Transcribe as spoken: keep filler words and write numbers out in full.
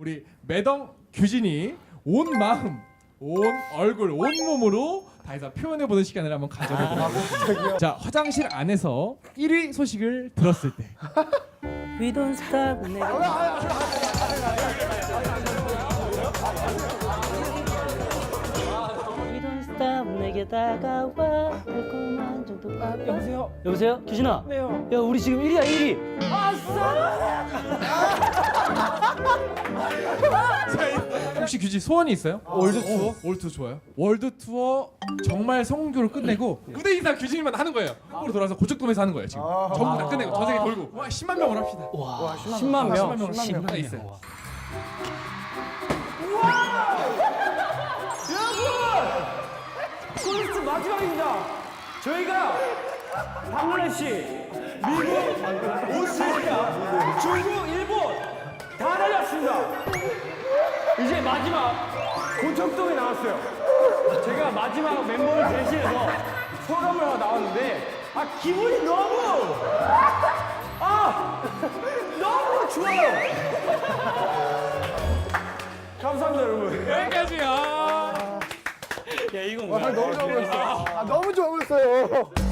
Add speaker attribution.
Speaker 1: 우리 매덩 규진이 온 마음, 온 얼굴, 온 몸으로 다해서 표현해보는 시간을 한번 가져보도록 하겠습니다. 자, 화장실 안에서 일 위 소식을 들었을 때
Speaker 2: We don't stop 내가 We don't stop 내게 다가와 달콤한 정도 아빠
Speaker 3: 여보세요?
Speaker 2: 여보세요? 규진아
Speaker 3: 네요.
Speaker 2: 야 우리 지금 일 위야 일 위
Speaker 1: 혹시 규진 소원이 있어요?
Speaker 3: 월드 투어?
Speaker 1: 월드 투어 좋아요. 월드 투어 정말 성공적으로 끝내고 무대 인사 규진이만 하는 거예요. 한국으로 돌아와서 고척돔에서 하는 거예요 지금. 전부 다 끝내고 전 세계 돌고 와 십만 명으로 합시다.
Speaker 2: 와
Speaker 3: 십만 명.
Speaker 1: 십만 명으로
Speaker 2: 십만
Speaker 1: 하나
Speaker 2: 명.
Speaker 1: 있어요.
Speaker 3: 콘서트 마지막입니다. 저희가 방글라데시, 미국, 오스트레일리아, 중국, 일본 다 달렸습니다. 이제 마지막 고척돔에 나왔어요. 제가 마지막 멤버를 대신해서 소감을 하고 나왔는데 아 기분이 너무 아 너무 좋아요. 감사합니다 여러분.
Speaker 1: 여기까지야.
Speaker 2: 야 이건
Speaker 4: 아, 너무 좋아 보였어요. 아, 너무 좋아 보였어요.